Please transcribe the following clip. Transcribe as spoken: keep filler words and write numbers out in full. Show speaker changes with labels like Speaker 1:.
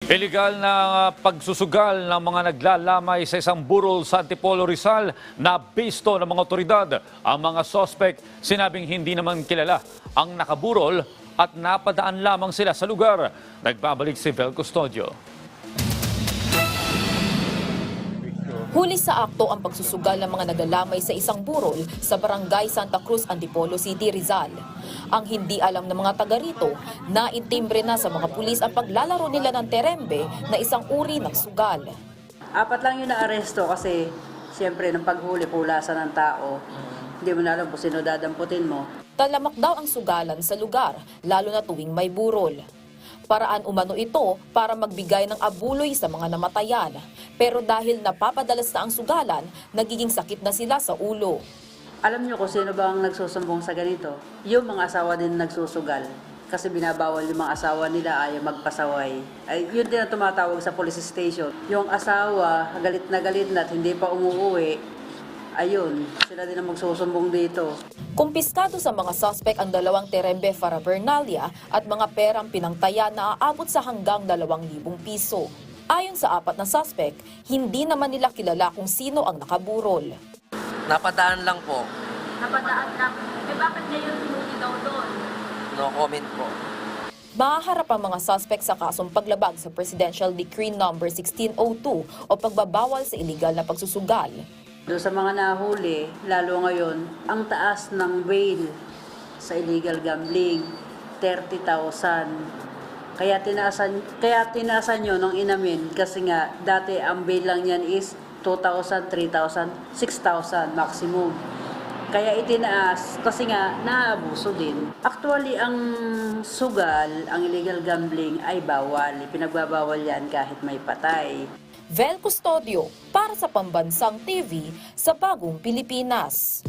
Speaker 1: Illegal na pagsusugal ng mga naglalamay sa isang burol sa Antipolo, Rizal na bisto ng mga otoridad. Ang mga sospek sinabing hindi naman kilala ang nakaburol at napadaan lamang sila sa lugar. Nagbabalik si Vel Custodio.
Speaker 2: Huli sa akto ang pagsusugal ng mga naglalamay sa isang burol sa Barangay Santa Cruz, Antipolo City, Rizal. Ang hindi alam ng mga taga rito, naintimbre na sa mga pulis ang paglalaro nila ng terembe na isang uri ng sugal.
Speaker 3: Apat lang yung naaresto kasi siyempre ng paghuli pulasan ng tao. Hindi mo na alam kung sino dadamputin mo.
Speaker 2: Talamak daw ang sugalan sa lugar, lalo na tuwing may burol. Paraan umano ito para magbigay ng abuloy sa mga namatayan. Pero dahil napapadalas na ang sugalan, nagiging sakit na sila sa ulo.
Speaker 3: Alam niyo kung sino ba ang nagsusumbong sa ganito? Yung mga asawa din nagsusugal. Kasi binabawal yung mga asawa nila ayaw magpasaway. Ay, yun din ang tumatawag sa police station. Yung asawa, galit na galit na at hindi pa umuwi, ayun, sila din ang magsusumbong dito.
Speaker 2: Kumpiskado sa mga suspect ang dalawang terembe parafernalia at mga perang pinangtaya na aabot sa hanggang dalawang libong piso. Ayon sa apat na suspect, hindi naman nila kilala kung sino ang nakaburol.
Speaker 4: Napadaan lang po.
Speaker 5: Napadaan lang. Eh bakit ngayon hinuli daw doon?
Speaker 4: No comment po.
Speaker 2: Mahaharap ang mga suspect sa kasong paglabag sa Presidential Decree number sixteen oh two o pagbabawal sa iligal na pagsusugal.
Speaker 3: Doon sa mga nahuli, lalo ngayon, ang taas ng bail sa illegal gambling, thirty thousand. Kaya tinaasan, kaya tinaasan nyo nung inamin kasi nga dati ang bail lang yan is two thousand, three thousand, six thousand maximum. Kaya itinaas kasi nga naabuso din. Actually, ang sugal, ang illegal gambling ay bawal. Pinagbabawal yan kahit may patay.
Speaker 2: Vel Custodio para sa Pambansang T V sa Bagong Pilipinas.